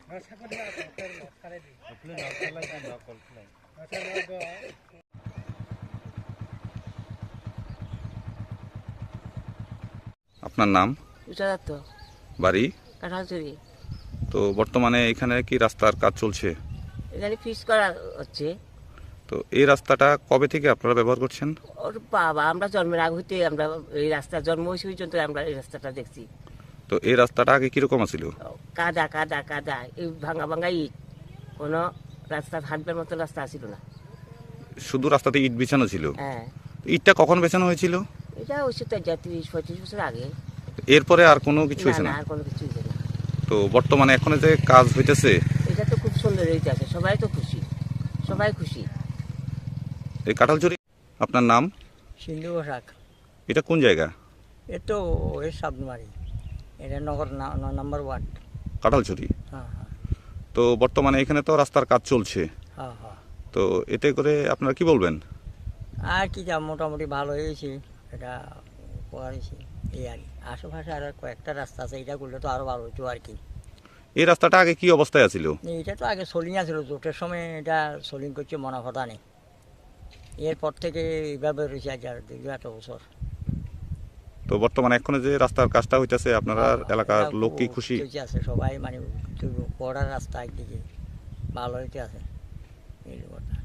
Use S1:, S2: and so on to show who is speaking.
S1: আপনার নাম? বাড়ি?
S2: কাঁঠালচুরি।
S1: তো বর্তমানে এখানে কি রাস্তার কাজ চলছে?
S2: এখানে ফিস করা হচ্ছে।
S1: তো এই রাস্তাটা কবে থেকে আপনারা ব্যবহার করছেন?
S2: ওর বাবা, আমরা জন্মের আগ হইতে আমরা এই রাস্তা জন্ম হয়েছে পর্যন্ত আমরা এই রাস্তাটা দেখছি।
S1: তো এই রাস্তাটা আগে কিরকম ছিল?
S2: কাদা কাদা কাদা, এই ভাঙা ভাঙা ইট, কোনো রাস্তা হাঁটবার মতো রাস্তা ছিল না।
S1: শুধু রাস্তাতে ইট বিছানো ছিল?
S2: হ্যাঁ।
S1: ইটটা কখন বেছানো হয়েছিল?
S2: এটা হচ্ছে তো 30-35 বছর আগে।
S1: এরপরে আর কোনো কিছু হয়েছে না?
S2: আর কোনো কিছু হয়েছে না।
S1: তো বর্তমানে এখন যে কাজ হইতেছে,
S2: এটা তো খুব সুন্দর হইতে আছে, সবাই তো খুশি, সবাই খুশি।
S1: এই কাঁঠালচুরি। আপনার নাম?
S3: সিন্ধু পোশাক।
S1: এটা কোন জায়গা?
S3: এ তো এর সাবমারি, এটা নগর 9 নম্বর ওয়ার্ড।
S1: কাঁঠালচুরি।
S3: হ্যাঁ হ্যাঁ
S1: তো বর্তমানে এখানে তো রাস্তার কাজ চলছে,
S3: হ্যাঁ হ্যাঁ।
S1: তো এতে করে আপনারা কি বলবেন?
S3: আর কি যা মোটামুটি ভালো হয়েছে, এটা উপকার হয়েছে এই আর কি। আশেপাশে আর কয়েকটা রাস্তা আছে, এটা করলে তো আরও ভালো হতো আর কি।
S1: এই রাস্তাটা আগে কি অবস্থায় ছিল?
S3: এটা তো আগে সোলিং আছিল, জোটের সময় এটা সোলিং করছে মনে কথা নেই। এরপর থেকে এইভাবে রয়েছে আজ আর দীর্ঘ এত বছর।
S1: তো বর্তমানে এখন যে রাস্তার কাজটা হইতেছে, আপনারা এলাকার লোক কি খুশি?
S3: আছে সবাই, মানে বর্ডার রাস্তা একদিকে ভালো হইতে আছে এই কথা।